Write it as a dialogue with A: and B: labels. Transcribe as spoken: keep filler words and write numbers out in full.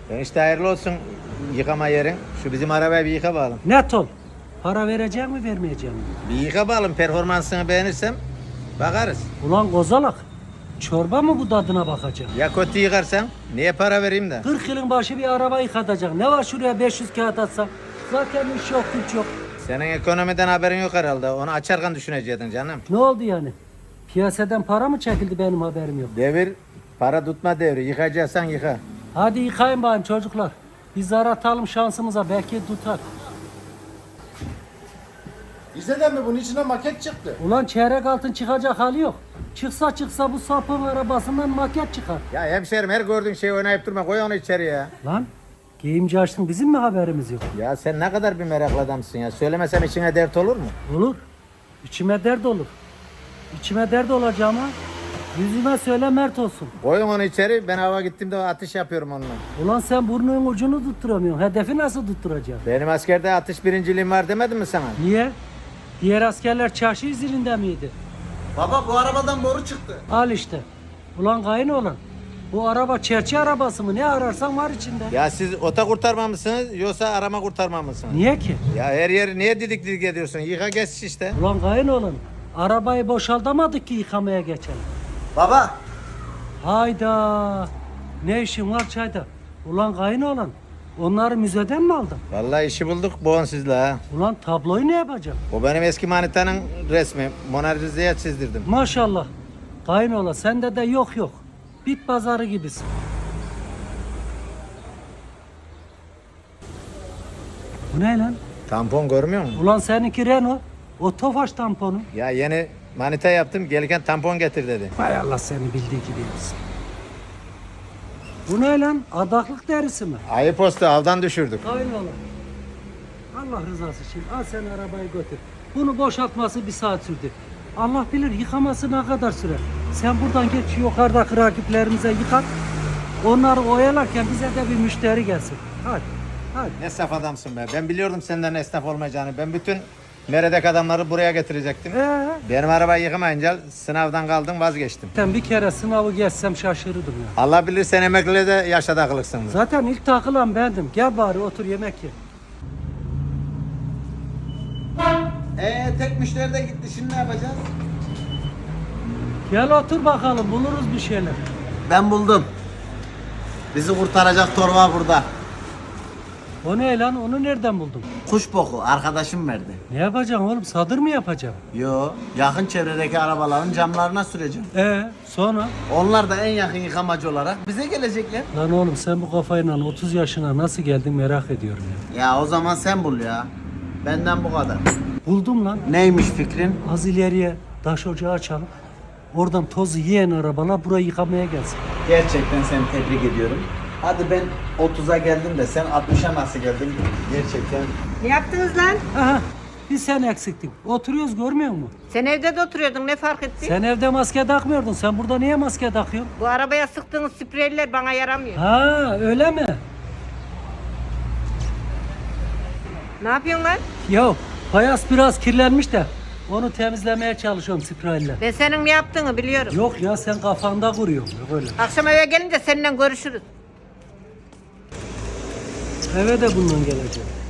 A: Ben işte hayırlı olsun yıkama yerin. Şu bizim arabayı bir yıka bakalım.
B: Net ol. Para verecek mi vermeyecek mi?
A: Bir yıka bakalım, performansını beğenirsem bakarız.
B: Ulan kozalak. Çorba mı bu tadına bakacak?
A: Ya kötü yıkarsan niye para vereyim de?
B: kırk yılın başı bir araba yıkatacak. Ne var şuraya beş yüz kağıt atsam? Zaten iş yok, güç yok.
A: Senin ekonomiden haberin yok herhalde. Onu açarken düşünecektin canım.
B: Ne oldu yani? Piyasadan para mı çekildi benim haberim yok.
A: Devir para tutma devri. Yıkayacaksan yıka.
B: Hadi yıkayın bakayım çocuklar. Biz zar atalım şansımıza, belki tutar.
C: Liseden mi bunun içine maket çıktı?
B: Ulan çeyrek altın çıkacak hali yok. Çıksa çıksa bu sapın arabasından maket çıkar.
A: Ya hemşerim, her gördüğün şeyi oynayıp durma. Koy onu içeri ya.
B: Lan giyimci açtın, bizim mi haberimiz yok?
A: Ya sen ne kadar bir meraklı adamsın ya. Söylemesem içine dert olur mu?
B: Olur. İçime dert olur. İçime dert olacağıma yüzüme söyle mert olsun.
A: Koyun onu içeri. Ben hava gittiğimde atış yapıyorum onunla.
B: Ulan sen burnunun ucunu tutturamıyorsun. Hedefi nasıl tutturacaksın?
A: Benim askerde atış birinciliğim var demedim mi sana?
B: Niye? Diğer askerler çarşı izinde miydi?
C: Baba bu arabadan boru çıktı.
B: Al işte. Ulan kayın olan. Bu araba çerçe arabası mı? Ne ararsan var içinde.
A: Ya siz ota kurtarma mısınız yoksa arama kurtarma mısınız?
B: Niye ki?
A: Ya her yeri niye didik didik ediyorsun? Yıka geç işte.
B: Ulan kayın olan. Arabayı boşaltamadık ki yıkamaya geçelim.
C: Baba.
B: Hayda. Ne işin var çayda? Ulan kayın olan. Onları müzeden mi aldın?
A: Vallahi işi bulduk bu sizle ha.
B: Ulan tabloyu ne yapacağım?
A: O benim eski manitanın resmi. Mona Lisa'ya çizdirdim.
B: Maşallah. Kayınola sende de yok yok. Bit pazarı gibisin. Bu ne lan?
A: Tampon görmüyor musun?
B: Ulan seninki Renault. O Tofaş tamponu.
A: Ya yeni manita yaptım. Gelirken tampon getir dedi.
B: Hay Allah seni bildiği gibi yapsın. Bu ne lan? Adaklık derisi mi?
A: Ayıp olsun, avdan düşürdük.
B: Kayınola. Allah rızası için al sen arabayı götür. Bunu boşaltması bir saat sürdü. Allah bilir yıkaması ne kadar sürer. Sen buradan geç yukarıdaki rakiplerimize yıkat. Onları oyalarken bize de bir müşteri gelsin. Hadi, hadi.
A: Ne saf adamsın be. Ben biliyordum senden esnaf olmayacağını. Ben bütün meredek adamları buraya getirecektim.
B: Ee,
A: Benim arabayı yıkamayınca sınavdan kaldım, vazgeçtim.
B: ben bir kere sınavı geçsem şaşırırdım ya.
A: Allah bilir sen emekliliğe de yaşa takılırsın.
B: Zaten ilk takılan bendim. Gel bari otur yemek ye.
C: Ee tek müşteri de gitti. Şimdi ne yapacağız?
B: Gel otur bakalım, buluruz bir şeyler.
C: Ben buldum. Bizi kurtaracak torba burada.
B: O ne lan? Onu nereden buldun?
C: Kuş boku arkadaşım verdi.
B: Ne yapacaksın oğlum? Sadır mı yapacaksın?
C: Yo, yakın çevredeki arabaların camlarına süreceğim.
B: Ee, sonra?
C: Onlar da en yakın yıkamacı olarak bize gelecekler.
B: Lan oğlum sen bu kafayla otuz yaşına nasıl geldin merak ediyorum ya.
C: Ya o zaman sen bul ya. Benden bu kadar.
B: Buldum lan.
C: Neymiş fikrin?
B: Az ileriye taş ocağı açalım. Oradan tozu yiyen arabalar burayı yıkamaya gelsin.
C: Gerçekten seni tebrik ediyorum. Hadi ben otuza geldim de sen altmışa nasıl geldin? Gerçekten.
D: Ne yaptınız lan?
B: Aha, bir sen eksiktin. Oturuyoruz görmüyor musun?
D: Sen evde de oturuyordun, ne fark etti?
B: Sen evde maske takmıyordun. Sen burada niye maske takıyorsun?
D: Bu arabaya sıktığınız spreyler bana yaramıyor.
B: Ha, öyle mi?
D: Ne yapıyorsun lan?
B: Ya fayans biraz kirlenmiş de onu temizlemeye çalışıyorum spreyle.
D: Ben senin ne yaptığını biliyorum.
B: Yok ya sen kafanda kuruyorsun. Yok öyle.
D: Akşam eve gelince seninle görüşürüz.
B: Eve de bundan gelecek.